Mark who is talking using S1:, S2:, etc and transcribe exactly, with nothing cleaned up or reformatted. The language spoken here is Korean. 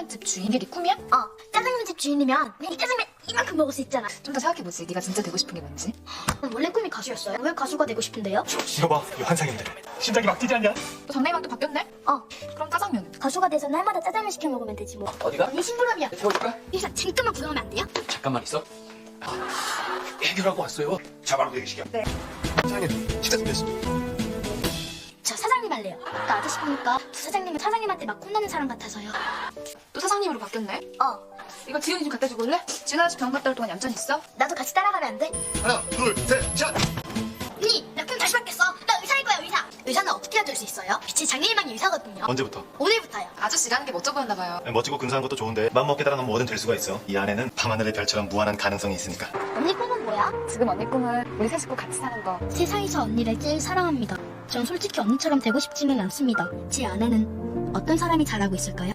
S1: 짜장면집 주인 이게 네 꿈이야?
S2: 어, 짜장면집 주인이면 이 짜장면 이만큼 먹을 수 있잖아.
S1: 좀 더 생각해보지. 네가 진짜 되고 싶은 게 뭔지.
S2: 원래 꿈이 가수였어요. 왜 가수가 되고 싶은데요?
S3: 이거 봐, 이거 환상인데. 심장이 막 뛰지 않냐?
S1: 또 장래희망 또 바뀌었네?
S2: 어,
S1: 그럼 짜장면은?
S2: 가수가 돼서 날마다 짜장면 시켜 먹으면 되지 뭐.
S3: 어디가?
S2: 이 심부름이야.
S3: 태워줄까?
S2: 일단 잠깐만 구경하면 안 돼요?
S3: 잠깐만 있어. 해결하고 왔어요. 자, 바로 대기시켜.
S1: 네.
S3: 사장님, 식사 준비했습니다.
S2: 저 사장님 할래요. 아까 아저씨 보니까 부사장님은 사장님한테 막 혼나는 사람 같아서요.
S1: 또 사장님으로 바뀌었네?
S2: 어,
S1: 이거 지훈이 좀 갖다 주고 올래? 지훈 아저씨 병원 갔다 올 동안 얌전히 있어?
S2: 나도 같이 따라가면 안 돼?
S3: 하나, 둘, 셋, 샷!
S2: 언니, 나 그럼 다시 바뀌었어. 나 의사일 거야, 의사. 의사는 어떻게 해야 될 수 있어요? 빛의 장래희망이 의사거든요.
S4: 언제부터?
S2: 오늘부터요.
S1: 아저씨 일하는 게 멋져 보였나 봐요.
S4: 멋지고 근사한 것도 좋은데 맘먹게 따라 놓으면 뭐든 될 수가 있어. 이 안에는 밤하늘의 별처럼 무한한 가능성이 있으니까.
S2: 언니 꿈은 뭐야?
S1: 지금 언니 꿈은 우리 세 식구 같이 사는 거.
S2: 세상에서 언니를 제일 사랑합니다. 전 솔직히 언니처럼 되고 싶지는 않습니다. 제 안에는 어떤 사람이 잘하고 있을까요?